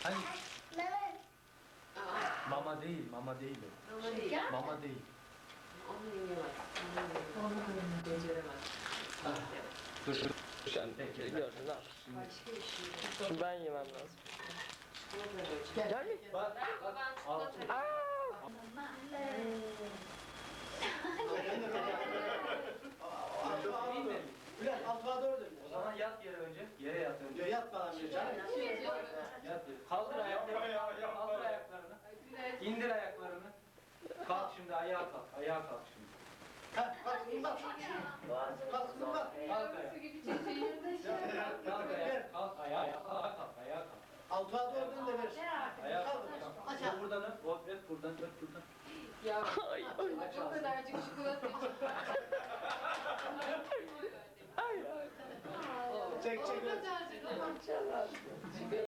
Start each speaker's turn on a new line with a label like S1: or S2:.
S1: Hani
S2: Mehmet.
S1: mama değil, mama değil o.
S3: Ama değil.
S1: Mama değil.
S3: Onu yiyemez. Onu beceremez.
S1: Dur dur. Sen bekle.
S4: Gördün ne yap?
S3: Başka bir şey.
S4: Şimdi ben yemem lazım.
S3: Gel.
S4: Gel mi?
S1: Bak,
S3: Ben
S1: al.
S3: çikolata.
S5: Bülent altığa doğru dön.
S1: O zaman yat yere önce. Yere yat önce.
S5: Diyor yat bana bir canım.
S1: Yat yere. Kaldır ayaklarını. Kaldır ayaklarını. İndir ayaklarını. Kalk şimdi ayağa kalk. Ayağa kalk şimdi.
S5: Ha kalk bak. Kalk kızım bak.
S1: Kalk ayağa. Kalk ayağa. Kalk ayağa. Kalk ayağa kalk.
S5: Altığa doğru dön de ver.
S1: Ayağa kalk.
S5: Aç
S1: Kalk. Buradan öp. Öp buradan. Öp buradan.
S3: Ya o kadarcık çikolata için.
S4: Ay ay.
S5: Çek çek.
S3: O kadarcık.